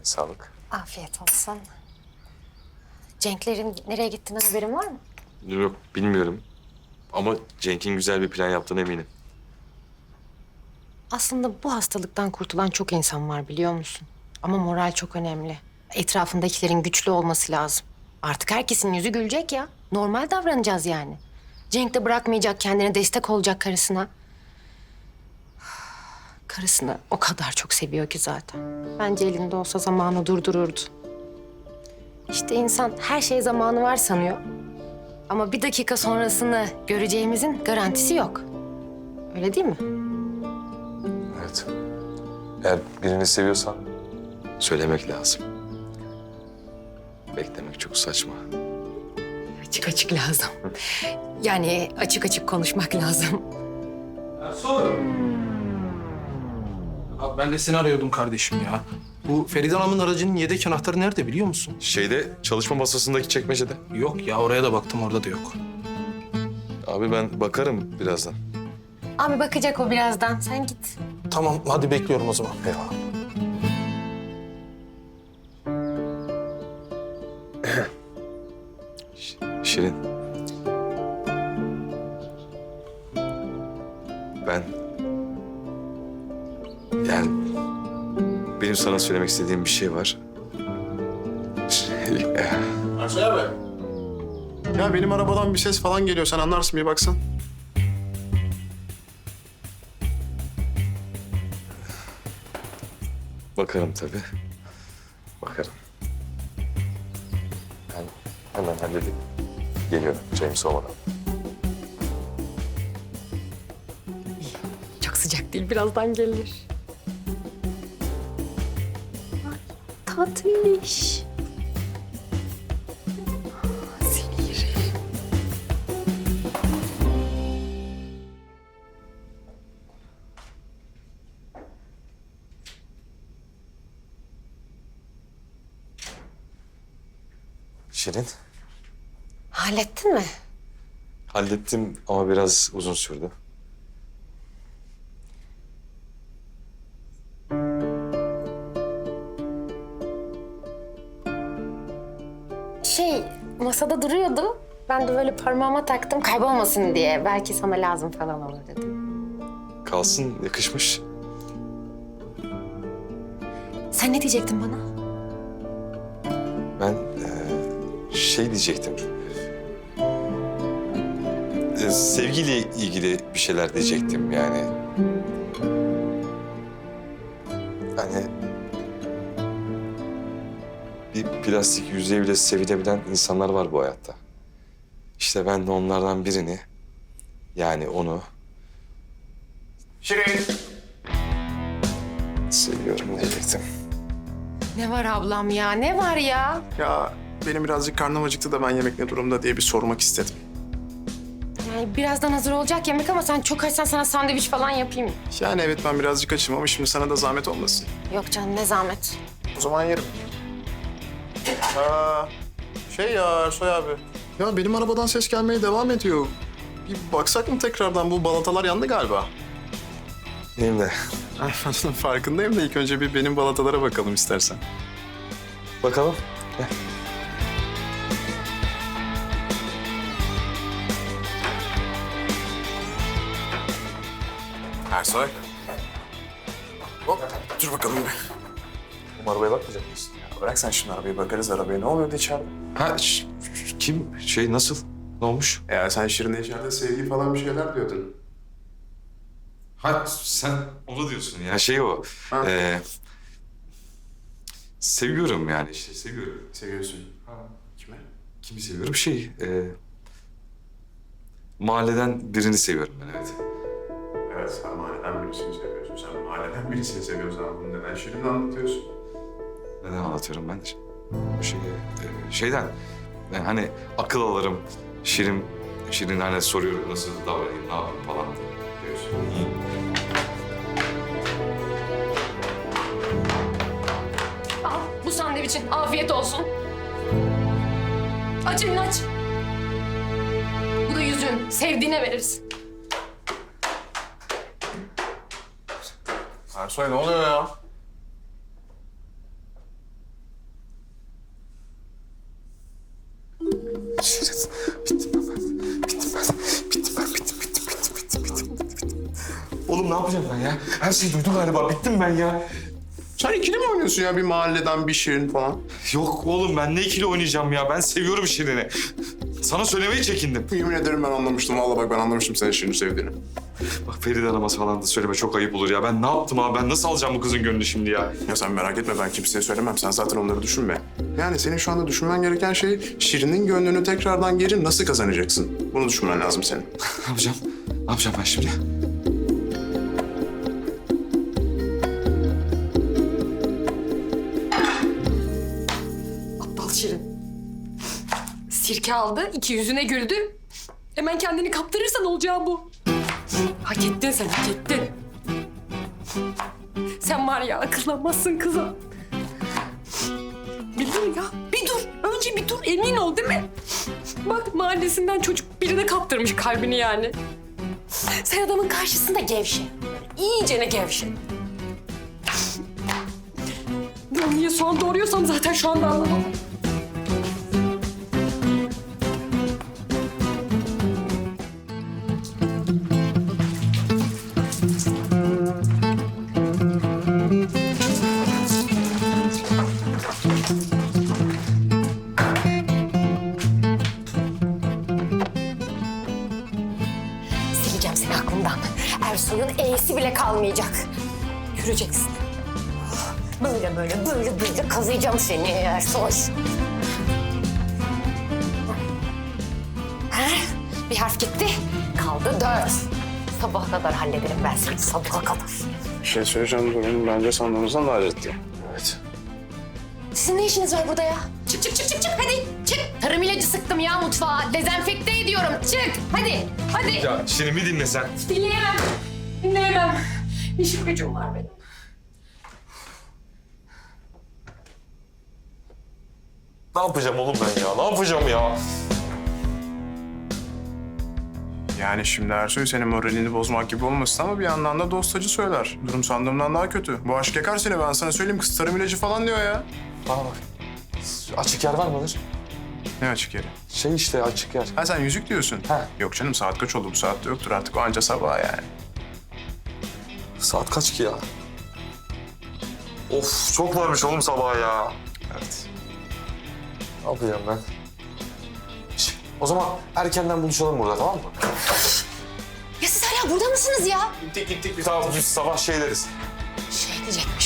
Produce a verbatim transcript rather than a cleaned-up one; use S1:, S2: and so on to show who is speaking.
S1: Sağlık.
S2: Afiyet olsun. Cenklerin nereye gittiğinden haberin var mı?
S1: Yok bilmiyorum. Ama Cenk'in güzel bir plan yaptığına eminim.
S2: Aslında bu hastalıktan kurtulan çok insan var biliyor musun? Ama moral çok önemli. Etrafındakilerin güçlü olması lazım. Artık herkesin yüzü gülecek ya. Normal davranacağız yani. Cenk de bırakmayacak, kendine destek olacak karısına. Karısını o kadar çok seviyor ki zaten. Bence elinde olsa zamanı durdururdu. İşte insan her şeye zamanı var sanıyor. Ama bir dakika sonrasını göreceğimizin garantisi yok. Öyle değil mi?
S1: Evet. Eğer birini seviyorsan söylemek lazım. Beklemek çok saçma.
S2: Açık açık lazım. Yani açık açık konuşmak lazım.
S3: Ersoy. Abi ben de seni arıyordum kardeşim ya. Bu Feride Hanım'ın aracının yedek anahtarı nerede biliyor musun?
S1: Şeyde çalışma masasındaki çekmecede.
S3: Yok ya, oraya da baktım, orada da yok.
S1: Abi ben bakarım birazdan.
S2: Abi bakacak o birazdan. Sen git.
S3: Tamam, hadi bekliyorum o zaman.
S1: Eyvallah. Ş- Şirin. Ben... Yani... Benim sana söylemek istediğim bir şey var. Şey...
S4: Ersoy abi. Ya benim arabadan bir ses falan geliyor. Sen anlarsın, bir baksan.
S1: Bakarım tabii. Bakarım. Ben hemen halledeyim. Geliyorum James olmadan.
S2: Çok sıcak değil. Birazdan gelir. Ay, tatlış. Seni yerim.
S1: Şirin.
S2: Hallettin mi?
S1: Hallettim ama biraz uzun sürdü.
S2: Şey, masada duruyordu. Ben de böyle parmağıma taktım kaybolmasın diye. Belki sana lazım falan olur dedim.
S1: Kalsın, yakışmış.
S2: Sen ne diyecektin bana?
S1: Ben eee, şey diyecektim. Eee, sevgiyle ilgili bir şeyler diyecektim yani. Hani bir plastik yüzeye bile sevilebilen insanlar var bu hayatta. İşte ben de onlardan birini, yani onu
S4: Şirin.
S1: seviyorum diyecektim.
S2: Ne var ablam ya? Ne var ya?
S4: Ya benim birazcık karnım acıktı da ben yemek ne durumda diye bir sormak istedim.
S2: Yani birazdan hazır olacak yemek ama sen çok açsan sana sandviç falan yapayım.
S4: Yani evet, ben birazcık açım ama şimdi sana da zahmet olmasın.
S2: Yok canım ne zahmet.
S4: O zaman yerim. Aa, şey ya Ersoy abi. Ya benim arabadan ses gelmeye devam ediyor. Bir baksak mı tekrardan? Bu balatalar yandı galiba.
S1: Benim de.
S4: Farkındayım da ilk önce bir benim balatalara bakalım istersen.
S1: Bakalım. Gel.
S4: Ersoy. Hop, dur bakalım bir.
S1: Bu arabaya bakmayacak mısın?
S4: Ya bırak sen şimdi arabayı, bakarız arabaya. Ne oluyordu içeride?
S1: Ha, ş- ş- kim? Şey nasıl? Ne olmuş?
S4: Ya sen Şirin'e içeride sevgi falan bir şeyler diyordun.
S1: Ha, sen onu diyorsun ya. Şey o.
S4: Ha.
S1: E, seviyorum yani işte seviyorum.
S4: Seviyorsun. Ha. Kime?
S1: Kimi seviyorum? Şey, e, mahalleden birini seviyorum ben, evet.
S4: Evet, sen mahalleden birisini seviyorsun. Sen mahalleden birisini seviyorsan bunu neden Şirin'e anlatıyorsun?
S1: Neden anlatıyorum ben? Bu şeyi, e, şeyden, yani hani akıl alırım, Şirin, Şirin hani soruyor nasıl davranayım, ne yapayım falan diyorsun.
S2: Al bu sandviçin. Afiyet olsun. Aç elini aç. Bu da yüzüğün. Sevdiğine verirsin.
S4: Ersoy ne oluyor ya?
S1: Şirin, bittim ben. Bittim ben. Bittim ben. Bittim, bittim, bittim, bittim, bittim, bittim. Oğlum ne yapacağım ben ya? Her şeyi duydum galiba. Bittim ben ya.
S4: Sen ikili mi oynuyorsun ya bir mahalleden bir Şirin falan?
S1: Yok oğlum ben ne ikili oynayacağım ya? Ben seviyorum Şirin'i. Sana söylemeyi çekindim.
S4: Yemin ederim ben anlamıştım. Vallahi bak ben anlamıştım senin Şirin'i sevdiğini.
S1: Bak Feride Hanım'a falan da söyleme çok ayıp olur ya. Ben ne yaptım abi? Ben nasıl alacağım bu kızın gönlünü şimdi ya?
S4: Ya sen merak etme ben kimseye söylemem. Sen zaten onları düşünme. Yani senin şu anda düşünmen gereken şey Şirin'in gönlünü tekrardan geri nasıl kazanacaksın? Bunu düşünmen lazım senin.
S1: Ne yapacağım? Ne yapacağım ben şimdi?
S5: Aptal Şirin. Sirke aldı, iki yüzüne güldü. Hemen kendini kaptırırsan olacağı bu. Hak ettin sen, hak ettin. Sen var ya akıllanmazsın kıza. Bir dur ya, bir dur. Önce bir dur, emin ol değil mi? Bak mahallesinden çocuk birine kaptırmış kalbini yani. Sen adamın karşısında gevşe. İyicene gevşe. Ben niye soğan doğruyorsam zaten şu anda anlamam.
S2: Sileceğim seni aklımdan. Ersoy'un E'si bile kalmayacak. Göreceksin. Böyle böyle böyle böyle kazıyacağım seni Ersoy. Ha? Bir harf gitti. Kaldı dört. Sabaha kadar hallederim ben seni. Sabaha kadar.
S4: Bir şey söyleyeceğim durum bence sandığımızdan daha ciddi.
S1: Evet.
S2: Sizin ne işiniz var burada ya? Çık çık çık çık çık hadi çık. Tarım ilacı sıktım ya mutfağa. Dezenfekte ediyorum. Çık hadi hadi.
S1: Ya Şirin bir dinle sen.
S5: Dinleyemem. Dinleyemem. İşim gücüm var benim.
S1: Ne yapacağım oğlum ben ya? Ne yapacağım ya?
S4: Yani şimdi Ersoy senin moralini bozmak gibi olmasın ama bir yandan da dostacı söyler. Durum sandığımdan daha kötü. Bu aşk yakar seni ben sana söyleyeyim. Kız tarım ilacı falan diyor ya.
S1: Bana bak. Açık yer var mıdır?
S4: Ne açık yeri?
S1: Şey işte açık yer.
S4: Ha sen yüzük diyorsun.
S1: Ha.
S4: Yok canım saat kaç oldu bu saatte yoktur artık o anca sabah yani.
S1: Saat kaç ki ya? Of çok varmış oğlum sabah ya.
S4: Evet.
S1: Ne yapacağım ben? Şş, O zaman erkenden buluşalım burada tamam mı?
S2: Ya siz hala burada mısınız ya?
S1: Gittik gittik bir tamam biz sabah şey deriz.
S2: Şey diyecektim.